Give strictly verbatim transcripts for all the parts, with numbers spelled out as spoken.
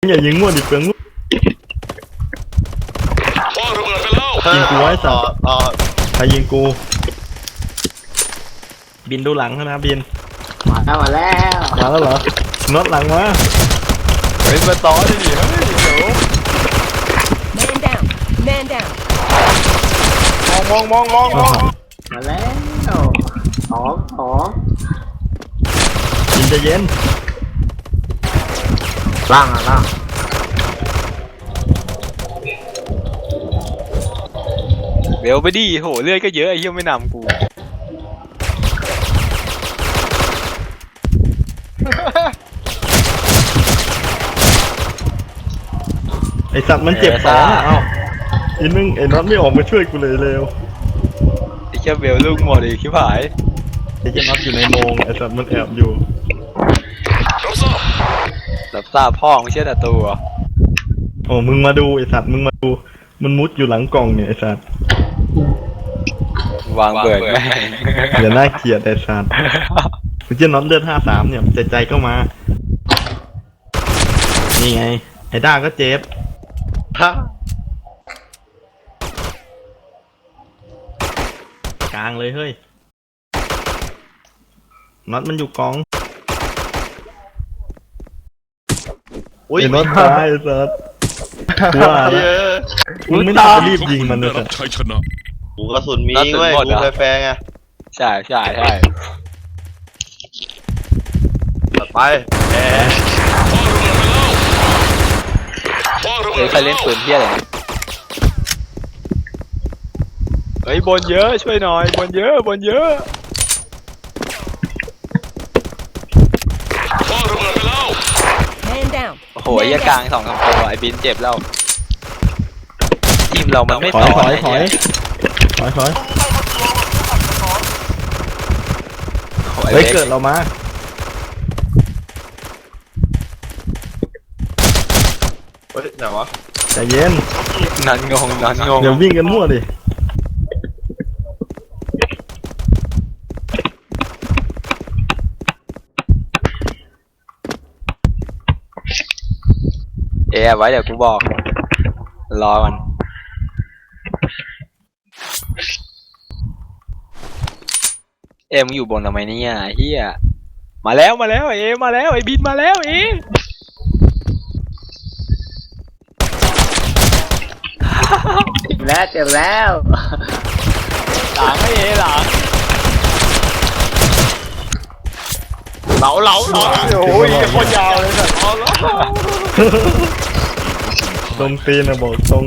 อย่ายิงมั่วดิเปลืองลูกยิงกูไว้สัตว์ใครยิงกูบินดูหลังนะบินมาแล้วมาแล้วมาแล้วเหรอน็อตหลังมาเฮ้ยมาต่อดิเฮ้ยเดี๋ยว Man down Man down มองมองมองมองมาแล้วสองสองบินจะเย็นล่างอ่ะล่างเดี๋ยวไปดิโหเลือดก็เยอะไอ้เหี้ยไม่นำกูไอสัตว์มันเจ็บสองเอ้าอีนึงไอ้น็อตไม่ออกมาช่วยกูเลยเร็วไอ้เจ้าเบลลูกหมดอีกชิบหายไอ้เจ้าน็อตอยู่ในโมงไอ้สัตว์มันแอบอยู่รับทราบพ่อไม่เชื่อแต่ตัวโอ้มึงมาดูไอ้สัตว์มึงมาดูมันมุดอยู่หลังกล่องเนี่ยไอ้สัตว์วางเบิร์ดแม่งอย่าน่าเกลียดไอ้สัตว์มันจะน็อตเลือดห้าสามเนี่ยใจใจก็มานี่ไงไอ้ด้าก็เจ็บกลางเลยเฮ้ยน็อตมันอยู่กองไอ้น็อตตายไอ้สัตว์ว่ามึงไม่น่าจะรีบยิงมันเลยสัตว์กูกระสุนมีเว้ยกูแฟร์ไงใช่ใช่ใช่ไปแหมเฮ้ยใครเล่นปืนเที่ยอะไรเฮ้ยบนเยอะช่วยหน่อยบนเยอะบนเยอะ Man down โอ้โหยกลางสองสามตัวไอ้บินเจ็บแล้วทีมเรามันไม่ถอยถอยถอยถอยถอยเฮ้ยเกิดเรามาเฮ้ยไหนวะใจเย็นนันงงนันงงเดี๋ยววิ่งกันมั่วดิเอ๋ไว้เดี๋ยวกูบอกรอมันเอ็มอยู่บนทำไมเนี่ยเฮียมาแล้วมาแล้วเอมาแล้วไอ้บินมาแล้วเอเจ็บแล้วเจ็บแล้วหลังไอ้เอหลังเหลาเหลาเหลาโอ้ยโคตรยาวเลยสัตว์เอาแล้วตรงตีนนะบอกตรง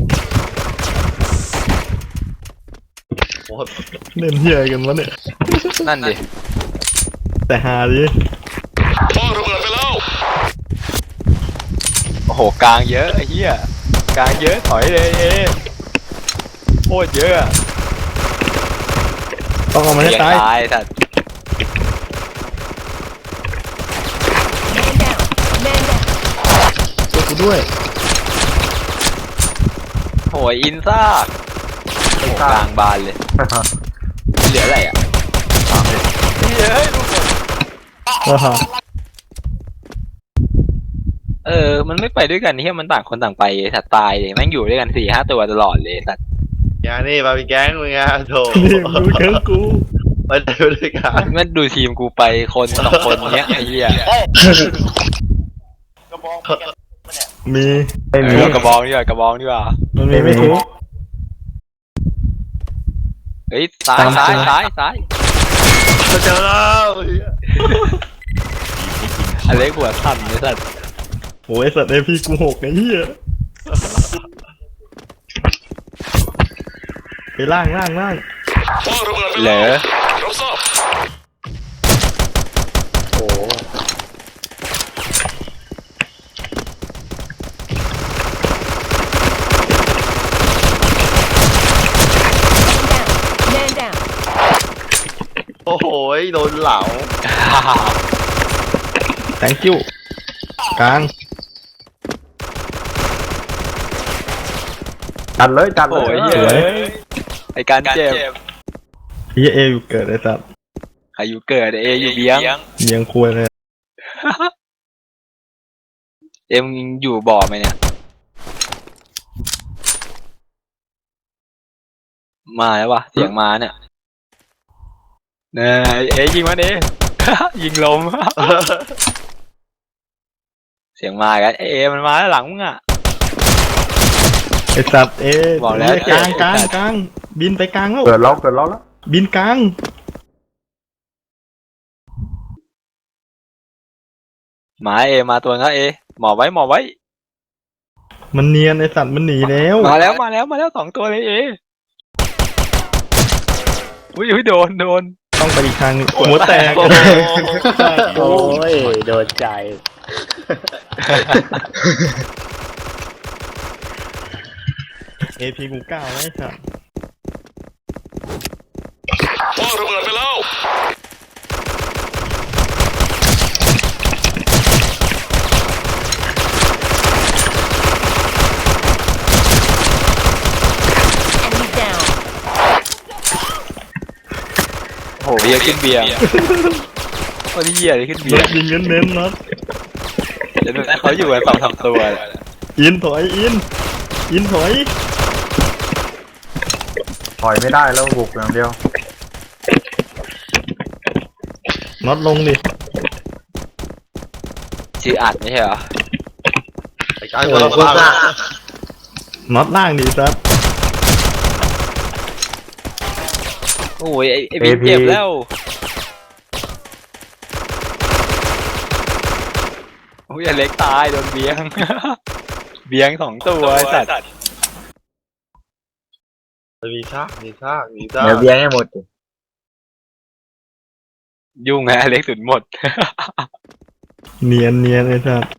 เล่นเฮียกันวะเนี่ยนั่นดิแต่หาดิโอ้โหกลางเยอะไอ้เหี้ยกลางเยอะถอยเลยเอโคตรเยอะต้องเอามาให้ตายตายสัตว์ Man down Man down ช่วยกูด้วยโหยอินซ่ากลางบานเลยเหลืออะไรอ่ะเฮ้ยดูหมดเออมันไม่ไปด้วยกันที่มันต่างคนต่างไปสัตว์ตายเลยแม่งอยู่ด้วยกันสี่ห้าตัวตลอดเลยสัตว์อย่านี่มาเป็นแก๊งมึงไงโถนี่ดูแก๊งกูไปด้วยกันมันดูทีมกูไปคนสองคนเนี้ยไอ้เหี้ยมีไม่มีกระบองดีกว่ากระบองดีกว่ามันมีไม่ถูกเฮ้ยซ้ายซ้ายซ้ายซ้ายเจอแล้วอเล็กหัวสั่นเลยสัตว์โอ้ยสัตว์เอพีกูหกไอ้เหี้ยไปล่างล่างล่างเหลอโอ้ Man down โอ้โหโดนเหลา thank you กลางจัดเลยจัดเลโอ้ยยเฮ้ยไอการเจ็บเฮียเออยู่เกิดไอ้สัตว์อายุเกิดเออยู่เบี้ยงเบียงคุยเลยเอ็มอยู่บ่อไหมเนี่ยมาแล้ววะเสียงมาเนี่ยเนี่ยเอ๊ะยิงมันเอ๊ะ ยิงลม เสียงมากันเอ๊ะมันมาแล้วหลังมึงอ่ะไอ้สัตว์เอ๊ะบอกแล้วกลางกลางไอ้สัตว์กลางบินไปกลางแล้วเกิดล้อเกิดล้อแล้วบินกลางหมาเอมาตัวนั้นเอหมอบไว้หมอบไว้มันเนียนไอ้สัตว์มันหนีแล้วมาแล้วมาแล้วมาแล้วสองตัวเลยเออุ้ยอุ้ยโดนโดนต้องไปอีกทางหนึงหัวแตกโอ้โหโอ้ยโดนใจเอพีกูเก้าไว้สัตว์พ่อระเบิดไปแล้ว Enemy down. โอ้โหเบียร์ขึ้นเบียร์โอ้ยเหี้ยเลยขึ้นเบีรยถร์ยิงเน้นๆน็อตเดี๋ยวดูนะเขาอยู่กันสองสามตัวเลยอินถอยอินอินถอยถอยไม่ได้แล้วบุกอย่างเดียวน็อตลงดิชื่ออัดไม่ใช่เหรอไอ้การคนละบ้าน็อตล่างดิสัตว์โอ้ยไอ้ไอ้บิ๊กเจ็บแล้วโอ้ยไอ้เล็กตายโดนเบียง เบียงสองตัวไอ้สัตว์มีชากมีชากมีชากเดี๋ยวเบี้ยให้หมดยุ่งไงไอ้เล็กสุดหมดเนียนเนียนไอ้สัตว์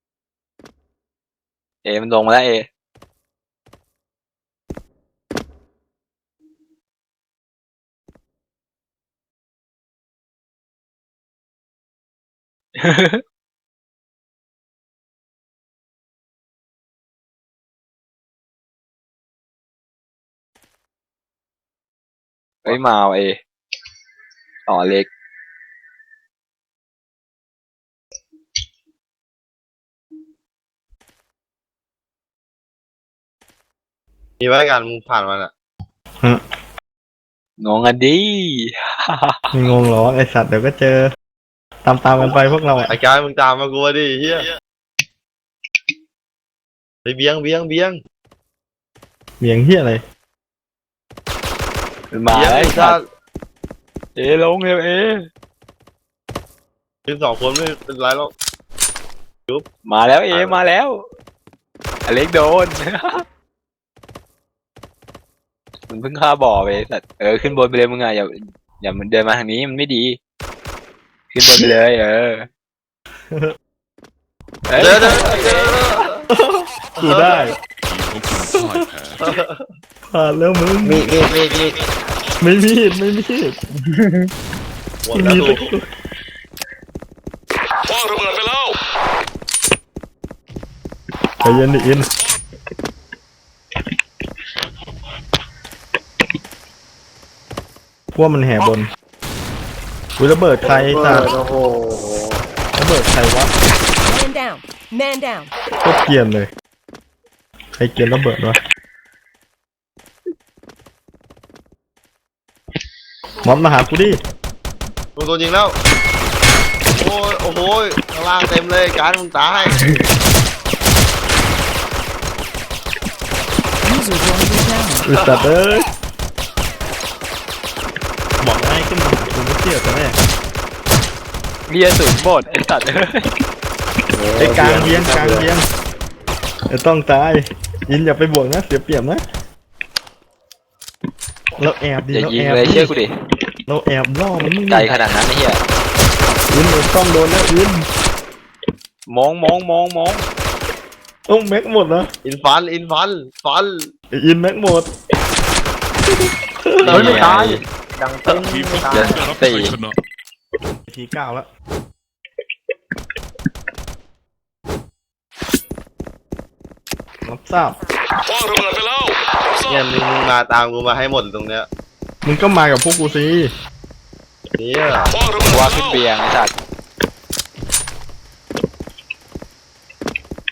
เอมันลงมาแล้วเอ เฮ้ยมาเอาเออ๋อเล็กมีไว้กันมึงผ่านมันอ่ะงงอ่ะดิไม่งงหรอไอ้สัตว์เดี๋ยวก็เจอ ตามตามๆกันไปพวกเราอะไอ้การมึงตามมากูดิเฮียไปเบี้ยงเบี้ยงเบี้ยงเหมียงเฮียอะไรมาเบี้ยงแล้วไอ้ไอ้ชาสัตว์เอลงเร็วเอทีมสองคนไม่เป็นไรหรอกมาแล้วเอมาแล้วอเล็กโดน มันเพิ่งฆ่าบ่อไปสัตว์เออขึ้นบนไปเลยมึงอ่ะอย่าอย่ามันเดินมาทางนี้มันไม่ดี ขึ้นบนไปเลยเออเอ้ยเดี๋ยวเดี๋ยวเดี๋ยวกูได้ผ่านแล้วมึงมีมีมีมีไม่มีดไม่มีดหมดไม่แล้วมีกูตะกรุดพ่อระเบิดไปแล้วใจเย็นดิอินพวกมันแห่บนอุ้ยระเบิดใครสัตว์โอ้โหระเบิดใครวะ Man down. Man down. โคตรเกรียนเลย ใครเกรียนระเบิดวะมอสมาหากูดิมึงโดนยิงแล้วโอ้ยโอ้โหข้างล่างเต็มเลยการมึงตาย User joined your channel. อุตส่าห์เอ้ยบอกให้ขึ้นมาหากูไม่เชื่อแต่แรกเรียสุดหมดไอ้สัตว์เอ้ยไอ้กลางเบียงกลางเบียงไอ้ต้องตายอินอย่าไปบวกนะเสียเปรียบนะเราแอบดิอย่าเรายิงแอบเลยดิเชื่อกูดิเราแอบล่อมันนี่ใจขนาดนั้นไอ้เหี้ยอินเราต้องโดนแล้วอินมองมองมองมองโอ้แม็กหมดนะอินฟันอินฟันฟันไอ้อินแม็กหมดเฮ้ยไม่ตายดังเต้นไม่ตายเดี๋ยวสี่ทีเก้าแล้วรับทราบพ่อระเบิดไปแล้วทราเนี่ยบมึงมึงมาตามกูมาให้หมดตรงเนี้ยมึงก็มากับพวกกูสิเนี่ยพ่อระเบิดไปว่าแล้ขึ้นวเบียงไอ้สัตว์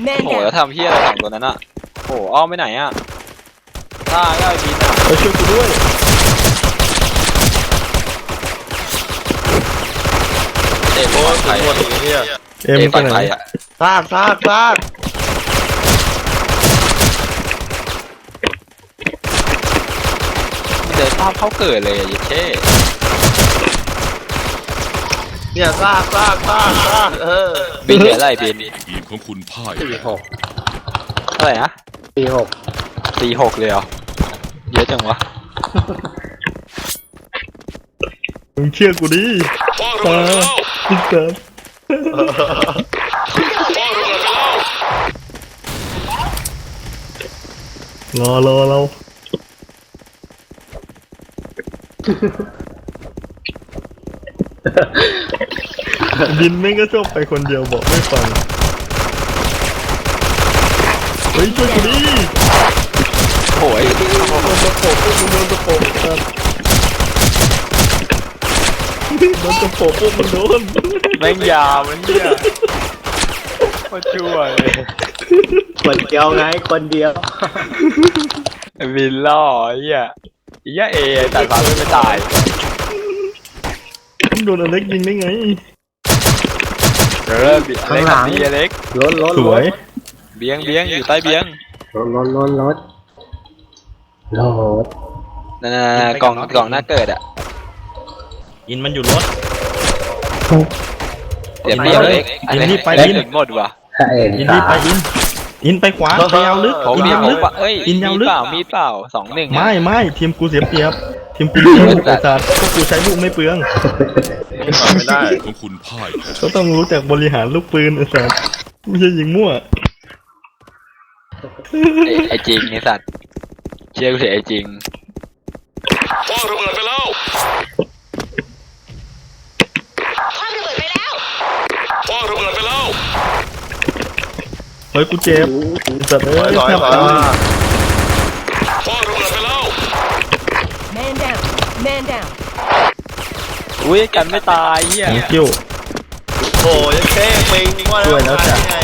Man โอ้โหแล้ว down. ทำเฮียอะไรสองตัวนั้นอ่ะโอ้โหอ้อมไปไหนอ่ะซ่าก็ไอ้บินอ่ะไปช่วยกูด้วยเอ็มโอ้ปลยอดภัยหมดอย่างเงี้ยเอ็มเอ็มไปปลอดไหนภัยอ่ะซากซากซากเดินภาพเขาเกิดเลยอะเยเช่เนี่ยซากซากซากซากเออบินเหลืออะไรบินทีมของคุณพ่ายสี่หกเท่าไหร่นะสี่หกสี่หกเลยเหรอเยอะจังวะมึงเชื่อกูดิคว้างระตาเบิดไปแล้วพิเศษคว้างระเบิดไปแล้วรอรอเราบินแม่งก็ชอบไปคนเดียวบอกไม่ฟังเฮ้ยช่วยกูดิโอ้ยโดนตะโปบพวกมึงโดนตะโปบครับโดนตะโปบพวกมึงโดนแม่งยาวมันเนี่ยโคตรชั่วเลยคนเดียวไงคนเดียวบินล่อไอ้เหี้ยไอ้เหี้ยเอแต่ฟ้าไม่ตายมึงโดนอเล็กยิงได้ไงเออเบียเล็กทำดีเล็กรถรถสวยเบียงเบียงอยู่ใต้เบียงรถรถรถรถรถนั่นๆๆกล่องกล่องหน้าเกิดอ่ะอินมันอยู่รถเดี๋ยวเบียงเล็กอินรีบไปเล็กอินถึงหมดว่ะใช่อินรีบไปอิน อินไปขวาไปยาวลึกผมอินมียาวผลึมกปะเอ้ยอินยาวลึมีกเปล่ามีเปล่าสองหนึ่งไม่ไม่ทีมกูเสียเปรียบทีมกูมีลูกไอ้สัตว์พวกกูใช้ลูกไม่เปลืองไม่ได้ทีมของคุณพ่ายแพ้ก็ต้องรู้จักบริหารลูกปืนไอ้สัตว์ไม่ใช่ยิงมั่วไอ้ไอ้จริงไอ้สัตว์เชื่อกูเถอะไอ้จริงคว้างระเบิดไปแล้วคว้างระเบิดไปแล้วคว้างระเบิดไปแล้วเฮ้ยกูเจ็บไอ้สัตว์เอ้ถอยยถอยแทบถอยตายคว้างระเบิดไปแล้ว Man down. Man down. อุ้ยกันไม่ตายเหี้ยของคิวโอ้ยยังเท่ปิงว่าช่วยแล้วจ้ะไง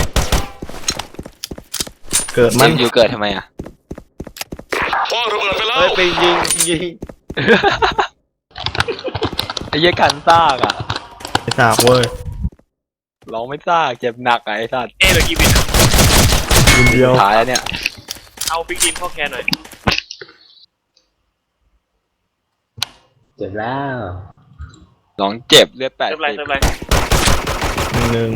เกิดมันอยู่เกิดทำไมอ่ะคว้างระเบิดไปแล้วเฮ้ยปิงยิงยิงไอ้เหี้ยกันซากอ่ะไอ้สากเว้ยร้องไม่ซากเจ็บหนักอะไอ้สัตว์เอ๊ะเหลือกี่บินยิงเดียวสุดท้ายแล้วเนี่ยเอาบิ๊กดินเข้าแคนหน่อยเจ็บแล้วร้องเจ็บเลือดแปดเติมอะไรสิบเติมอะไรหนึ่งหนึ่ง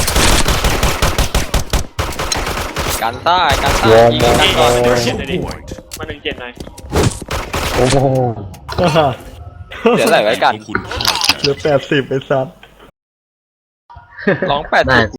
กันซ่ากันซ่ายิงกันก่อนเจ็ดหน่อยดิมาหนึ่งเจ็ดหน่อยโอ้โหฮ่าฮ่าเดี๋ยวอะไรไว้กันของคุณพ่ายแพ้เหลือแปดสิบไอ้สัตว์ร้องแปดน่าสิบ